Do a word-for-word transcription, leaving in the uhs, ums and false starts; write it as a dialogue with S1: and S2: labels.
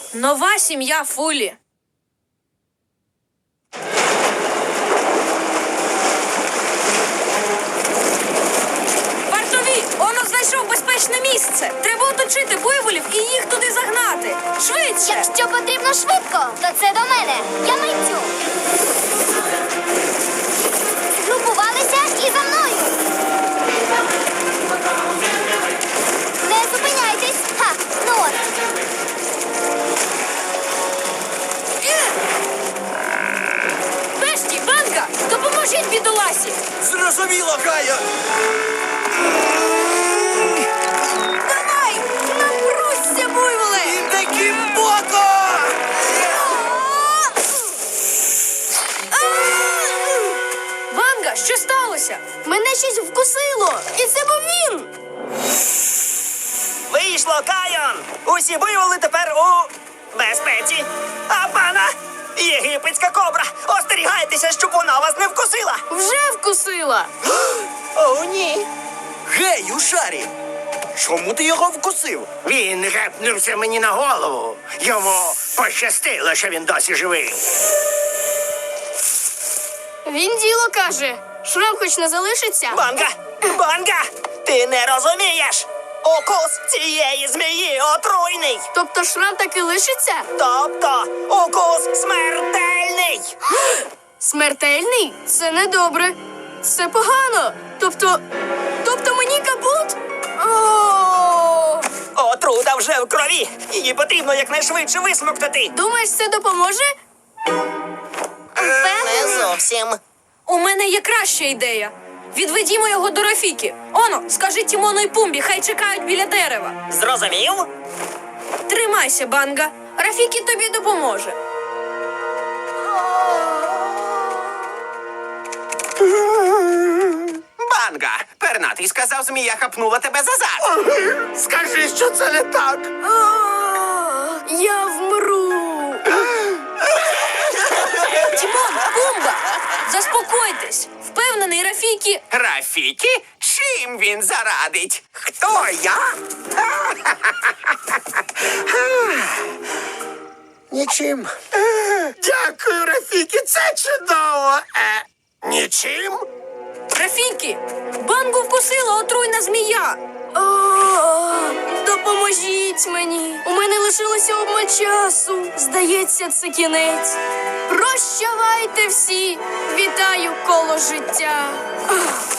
S1: Нова сім'я Фулі. Вартові! Оно знайшов безпечне місце. Треба оточити буйволів і їх туди загнати. Швидше!
S2: Якщо потрібно швидко, то це до мене. Я митцю. Згрупувалися і за мною. Не зупиняйтесь. Ха, ну от.
S1: Бешті, Банга, допоможіть бідоласі!
S3: Зрозуміло, Кая!
S1: Давай! Напрусься, буйволе!
S3: І таки боко!
S1: Банга, що сталося?
S2: Мене щось вкусило. І це був він.
S4: Вийшло, Кайон! Усі буйволи тепер у безпеці. А пана єгипетська кобра! Остерігайтеся, щоб вона вас не вкусила!
S1: Вже вкусила!
S4: О, ні!
S3: Гей, у шарі! Чому ти його вкусив?
S4: Він гепнувся мені на голову. Йому пощастило, що він досі живий.
S2: Він діло каже. Шрам хоч не залишиться.
S4: Банга! Банга! Ти не розумієш! Укус цієї змії отруйний!
S2: Тобто шрам таки лишиться?
S4: Тобто укус смертельний!
S2: Смертельний? Це недобре. Це погано. Тобто. Тобто мені капут? О!
S4: Отрута вже в крові! Її потрібно якнайшвидше висмоктати!
S2: Думаєш, це допоможе?
S4: Не зовсім.
S1: У мене є краща ідея. Відведімо його до Рафіки. Оно, скажи Тімону і Пумбі, хай чекають біля дерева.
S4: Зрозумів?
S1: Тримайся, Банга. Рафікі тобі допоможе.
S5: Банга! Пернатий сказав, змія хапнула тебе за зад.
S3: Скажи, що це не так!
S2: Я вмру.
S1: Тімон, Пумба, заспокойтесь. Впевнений, Рафікі...
S5: Рафікі? Чим він зарадить? Хто я?
S3: Нічим. Дякую, Рафікі, це чудово! Е, нічим?
S1: Рафікі, Бангу вкусила отруйна змія.
S2: О, допоможіть мені. У мене лишилося обмаль часу. Здається, це кінець. Прощавайте всі. Вітаю коло життя. Ах.